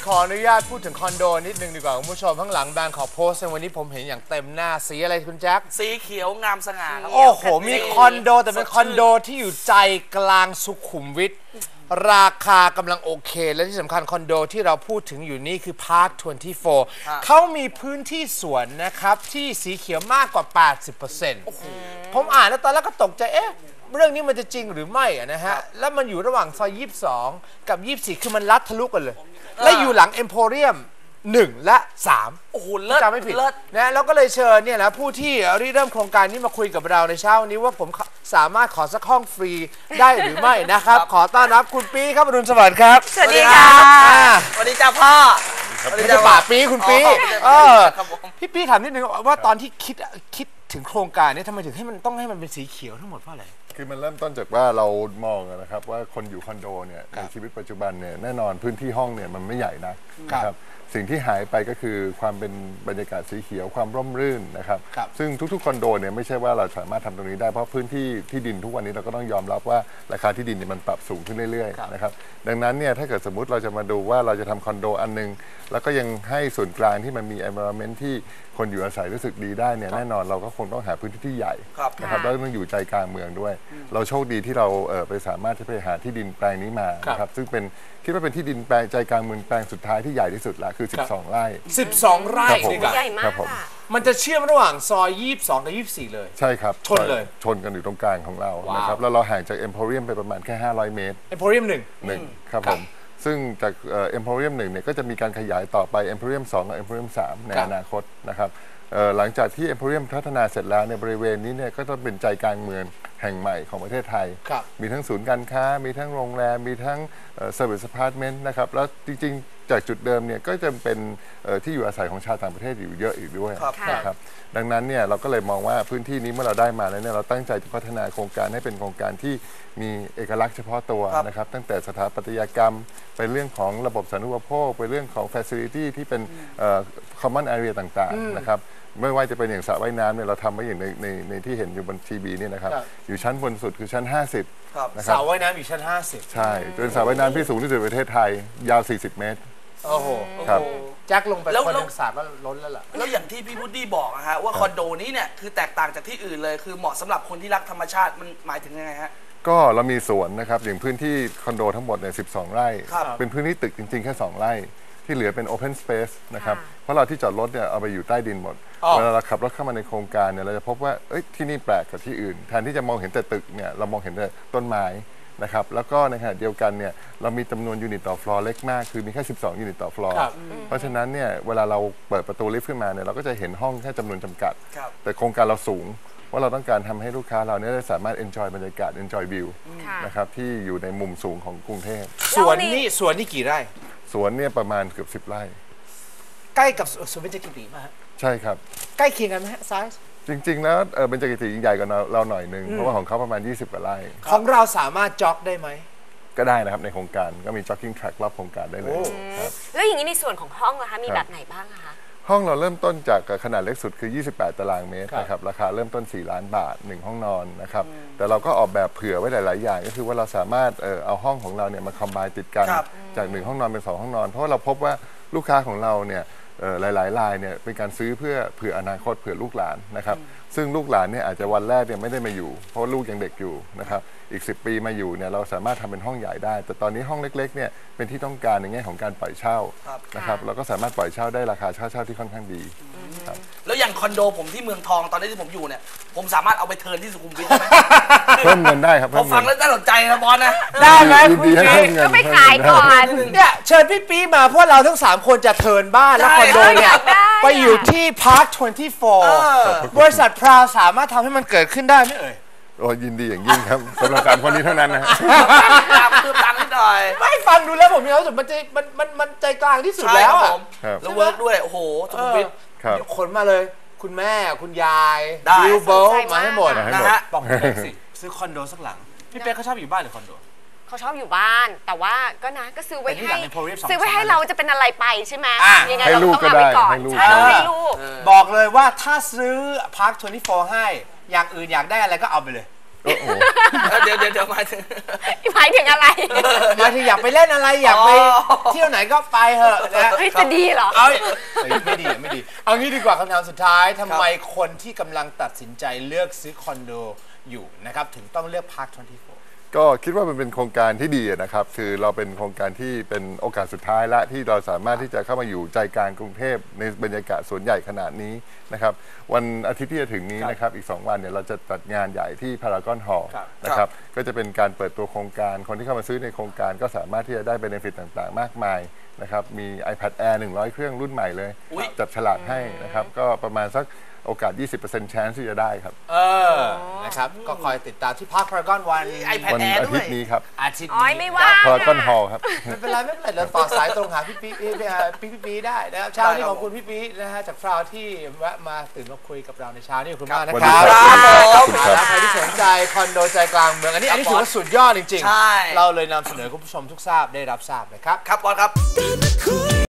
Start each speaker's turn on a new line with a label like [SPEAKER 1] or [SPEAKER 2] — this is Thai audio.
[SPEAKER 1] ขออนุญาตพูดถึงคอนโดนิดนึงดีกว่าคุณผู้ชมข้างหลังแบงค์ขอโพสต์ในวันนี้ผมเห็นอย่างเต็มหน้าสีอะไรคุณแจ็ค
[SPEAKER 2] สีเขียวงามสง่าครับ
[SPEAKER 1] โอ้โหมีคอนโดแต่เป็นคอนโดที่อยู่ใจกลางสุขุมวิทราคากำลังโอเคและที่สำคัญคอนโดที่เราพูดถึงอยู่นี่คือพาร์ค24เขามีพื้นที่สวนนะครับที่สีเขียวมากกว่า 80%ผมอ่านแล้วตอนแรกก็ตกใจเรื่องนี้มันจะจริงหรือไม่นะฮะแล้วมันอยู่ระหว่างซอย22กับ24คือมันลัดทะลุกันเลยและอยู่หลังเอ็มโพเรียม1 และ 3
[SPEAKER 2] โอ้โหเลิศ
[SPEAKER 1] จำไม่ผิดนะแล้วก็เลยเชิญเนี่ยนะผู้ที่เริ่มโครงการนี้มาคุยกับเราในเช้านี้ว่าผมสามารถขอสักห้องฟรีได้หรือไม่นะครับขอต้อนรับคุณปีครับอรุณสวัสดิ์ครับ
[SPEAKER 3] สวัสดีค่ะ
[SPEAKER 2] สวัสดีจ้าพ่อ
[SPEAKER 1] ไม่ใช่ป่าปีคุณปีพี่ปีถามนิดนึงว่าตอนที่คิดถึงโครงการนี้ทำไมถึงให้มันต้องให้มันเป็นสีเขียวทั้งหมดเพราะอะไร
[SPEAKER 4] คือมันเริ่มต้นจากว่าเรามองนะครับว่าคนอยู่คอนโดเนี่ยในชีวิตปัจจุบันเนี่ยแน่นอนพื้นที่ห้องเนี่ยมันไม่ใหญ่นะครับสิ่งที่หายไปก็คือความเป็นบรรยากาศสีเขียวความร่มรื่นนะครับซึ่งทุกๆคอนโดเนี่ยไม่ใช่ว่าเราสามารถทำตรงนี้ได้เพราะพื้นที่ดินทุกวันนี้เราก็ต้องยอมรับว่าราคาที่ดินเนี่ยมันปรับสูงขึ้นเรื่อยๆนะครับดังนั้นเนี่ยถ้าเกิดสมมุติเราจะมาดูว่าเราจะทำคอนโดอันนึงแล้วก็ยังให้ส่วนกลางที่มันมี environment ที่คนอยู่อาศัยรู้สึกดีได้เนี่ยแน่นอนเราก็คงต้องหาพื้นที่ที่ใหญ่นะครับแล้วต้องอยู่ใจกลางเมืองด้วยเราโชคดีที่เราไปสามารถที่ไปหาที่ดินแปลงนี้มานะครับซึ่งเป็นคิดว่าเป็นที่ดินแปลงใจกลางเมืองแปลงสุดท้ายที่ใหญ่ที่สุดละคือ12 ไร่
[SPEAKER 1] 12 ไร่
[SPEAKER 3] ใหญ่มาก
[SPEAKER 1] มันจะเชื่อมระหว่างซอย22กับ24เลย
[SPEAKER 4] ใช่ครับ
[SPEAKER 1] ชนเลย
[SPEAKER 4] ชนกันอยู่ตรงกลางของเรานะครับแล้วเราห่างจากเอ็มโพเรียมไปประมาณแค่500 เมตร
[SPEAKER 1] เอ็มโพเรียม
[SPEAKER 4] 1ครับผมซึ่งจากเอ็มโพเรียม1เนี่ยก็จะมีการขยายต่อไปเอ็มโพเรียม2กับเอ็มโพเรียม3ในอนาคตนะครับหลังจากที่เอ็มโพเรียมพัฒนาเสร็จแล้วในบริเวณนี้เนี่ยก็ต้องเป็นใจกลางเมืองแห่งใหม่ของประเทศไทยมีทั้งศูนย์การค้ามีทั้งโรงแรมมีทั้งเซอร์วิสอพาร์ตเมนต์นะครับแล้วจริงๆจากจุดเดิมเนี่ยก็จะเป็นที่อยู่อาศัยของชาวต่างประเทศอยู่เยอะอีกด้วยนะครับดังนั้นเนี่ยเราก็เลยมองว่าพื้นที่นี้เมื่อเราได้มาแล้วเนี่ยเราตั้งใจจะพัฒนาโครงการให้เป็นโครงการที่มีเอกลักษณ์เฉพาะตัวนะครับตั้งแต่สถาปัตยกรรมไปเรื่องของระบบสาธารณูปโภคไปเรื่องของ facility ที่เป็นcommon area ต่างๆนะครับไม่ว่าจะเป็นอย่างสระว่ายน้ำเนี่ยเราทำไว้อย่างในที่เห็นอยู่บนทีวีนี่นะครับอยู่ชั้นบนสุดคือชั้น50
[SPEAKER 1] นะครับสระว่ายน้ำอยู่ชั้น50
[SPEAKER 4] ใช่เป็นสระว่ายน้ำที่สูงที่สุดในประเทศไทยยาว40 เมตร
[SPEAKER 1] โอ้โห
[SPEAKER 4] ครับ
[SPEAKER 1] แจ็คลงไปคนหนึ่งสระก็ล้นแล้วล่ะ
[SPEAKER 2] แล้วอย่างที่พี่พุดดี้บอกนะฮะว่าคอนโดนี้เนี่ยคือแตกต่างจากที่อื่นเลยคือเหมาะสำหรับคนที่รักธรรมชาติมันหมายถึงยังไงฮะ
[SPEAKER 4] ก็เรามีสวนนะครับอย่างพื้นที่คอนโดทั้งหมดเนี่ย12 ไร่เป็นพื้นที่ตึกจริงๆแค่2 ไร่ที่เหลือเป็น Open Space นะครับเพราะเราที่จอดรถเนี่ยเอาไปอยู่ใต้ดินหมดเวลาเราขับรถเข้ามาในโครงการเนี่ยเราจะพบว่าที่นี่แปลกกว่าที่อื่นแทนที่จะมองเห็นแต่ตึกเนี่ยเรามองเห็นแต่ต้นไม้นะครับแล้วก็ในขณะเดียวกันเนี่ยเรามีจำนวนยูนิตต่อฟลอร์เล็กมากคือมีแค่12 ยูนิตต่อฟลอร์เพราะฉะนั้นเนี่ยเวลาเราเปิดประตูลิฟต์ขึ้นมาเนี่ยเราก็จะเห็นห้องแค่จำนวนจำกัดแต่โครงการเราสูงว่าเราต้องการทำให้ลูกค้าเราเนี่ยได้สามารถ enjoy บรรยากาศ enjoy view นะครับที่อยู่ในมุมสูงของกรุงเทพ
[SPEAKER 1] สวนนี่กี่ไร่
[SPEAKER 4] สวนเนี่ยประมาณเกือบ10 ไร่
[SPEAKER 1] ใกล้กับสวนเบญจกิติป่ะฮะ
[SPEAKER 4] ใช่ครับ
[SPEAKER 1] ใกล้เคียงกันไหมฮะไซส์
[SPEAKER 4] จริงๆแล้วเบญจกิติใหญ่กว่าเราหน่อยนึงเพราะว่าของเขาประมาณ20 กว่าไร่
[SPEAKER 1] ของเราสามารถจ็อกได้ไหม
[SPEAKER 4] ก็ได้นะครับในโครงการก็มี jogging track รอบโครงการได้เลยครับ
[SPEAKER 3] แล้วอย่างนี้ในส่วนของห้องนะคะมีแบบไหนบ้างคะ
[SPEAKER 4] ห้องเราเริ่มต้นจากขนาดเล็กสุดคือ28 ตารางเมตรนะครับราคาเริ่มต้น4 ล้านบาท1 ห้องนอนนะครับแต่เราก็ออกแบบเผื่อไว้หลายๆอย่างก็คือว่าเราสามารถเอาห้องของเราเนี่ยมาคอมไบน์ติดกันจาก1 ห้องนอนเป็น2 ห้องนอนเพราะว่าเราพบว่าลูกค้าของเราเนี่ยหลายๆรายเนี่ยเป็นการซื้อเพื่อเผื่ออนาคตเผื่อลูกหลานนะครับซึ่งลูกหลานเนี่ยอาจจะวันแรกเนี่ยไม่ได้มาอยู่เพราะลูกยังเด็กอยู่นะครับอีก10 ปีมาอยู่เนี่ยเราสามารถทำเป็นห้องใหญ่ได้แต่ตอนนี้ห้องเล็กๆเนี่ยเป็นที่ต้องการในแง่ของการปล่อยเช่านะครับเราก็สามารถปล่อยเช่าได้ราคาเช่าที่ค่อนข้างดีครับ
[SPEAKER 2] แล้วอย่างคอนโดผมที่เมืองทองตอนนี้ที่ผมอยู่เนี่ยผมสามารถเอาไปเทิร์นที่สุขุมวิทได้ไหม
[SPEAKER 4] เพิ่มเงินได้ครับ
[SPEAKER 2] พอฟังแล้วน่าสนใจนะบอลนะ
[SPEAKER 1] ได้ไหมคุณปี
[SPEAKER 3] ก็ไปขายก่อน
[SPEAKER 1] เนี่ยเชิญพี่ปีมาเพราะเราทั้ง3 คนจะเทิร์นบ้านแล้วคอนโดเนี่ยไปอยู่ที่พาร์ค24บริษัทพราวสามารถทำให้มันเกิดขึ้นได้ไหมเอ่ย
[SPEAKER 4] โอ้ยินดีอย่างยิ่งครับสำหรับ3 คนนี้เท่านั้นนะ
[SPEAKER 2] ตามนิดหน่อย
[SPEAKER 1] ไม่ฟังดูแล้วผมมีความรู้สึกมันใจกลางที่สุดแล้วอ่ะ
[SPEAKER 2] แล้วเวิร์กด้วยโอ้โหสุขุมวิท
[SPEAKER 1] ขนมาเลยคุณแม่คุณยายบิลโบมาให้หมดนะฮะบอกผมสิซื้อคอนโดสักหลังพี่เป๊กเขาชอบอยู่บ้านหรือคอนโด
[SPEAKER 3] เขาชอบอยู่บ้านแต่ว่าก็นะก็ซื้อไว้ให้เราจะเป็นอะไรไปใช่ไหมยังไงเราต้องเอาไปก่อนใช่ให้ลูก
[SPEAKER 1] บอกเลยว่าถ้าซื้อพาร์ค24ให้อย่างอื่นอยากได้อะไรก็เอาไปเลย
[SPEAKER 2] เดี๋ยวหมายถึง
[SPEAKER 3] อะไร
[SPEAKER 1] หมายถึงากไปเล่นอะไรอยากไปเที่ยวไหนก็ไปเถอะนะ
[SPEAKER 3] เฮ้ยจะดีเหรอ
[SPEAKER 1] ไม่ดีไม่ดีเอางี้ดีกว่าคำถามสุดท้ายทำไมคนที่กำลังตัดสินใจเลือกซื้อคอนโดอยู่นะครับถึงต้องเลือก Park 24
[SPEAKER 4] ก็คิดว่ามันเป็นโครงการที่ดีนะครับคือเราเป็นโครงการที่เป็นโอกาสสุดท้ายละที่เราสามารถที่จะเข้ามาอยู่ใจกลางกรุงเทพในบรรยากาศสวนใหญ่ขนาดนี้นะครับวันอาทิตย์ที่จะถึงนี้นะครับอีก2วันเนี่ยเราจะจัดงานใหญ่ที่พารากอนฮอลล์นะครับก็จะเป็นการเปิดตัวโครงการคนที่เข้ามาซื้อในโครงการก็สามารถที่จะได้เบเนฟิตต่างๆมากมายนะครับมี iPad Air 100 เครื่องรุ่นใหม่เลยจับฉลากให้นะครับก็ประมาณสักโอกาส 20% chance ที่จะได้ครับ
[SPEAKER 1] นะครับก็คอยติดตามที่ Park Paragon วัน
[SPEAKER 4] อาทิตย์นี้ครับ
[SPEAKER 1] อาทิตย์
[SPEAKER 3] นี้
[SPEAKER 1] ไม่
[SPEAKER 3] ว่า
[SPEAKER 4] พารากอนฮอลล์ครับ
[SPEAKER 1] ไม่เป็นไรเราต่อสายตรงหาพี่ปีได้นะครับเช้านี้ขอบคุณพี่ปีนะฮะจากฟราวที่แวะมาตื่นมาคุยกับเราในเช้านี้ขอบคุณมากนะครับใครที่สนใจคอนโดใจกลางเมืองอันนี้ถือว่าสุดยอดจริงๆเราเลยนำเสนอคุณผู้ชมทุกทราบได้รับทราบนะครับ
[SPEAKER 2] ครับบอสครับ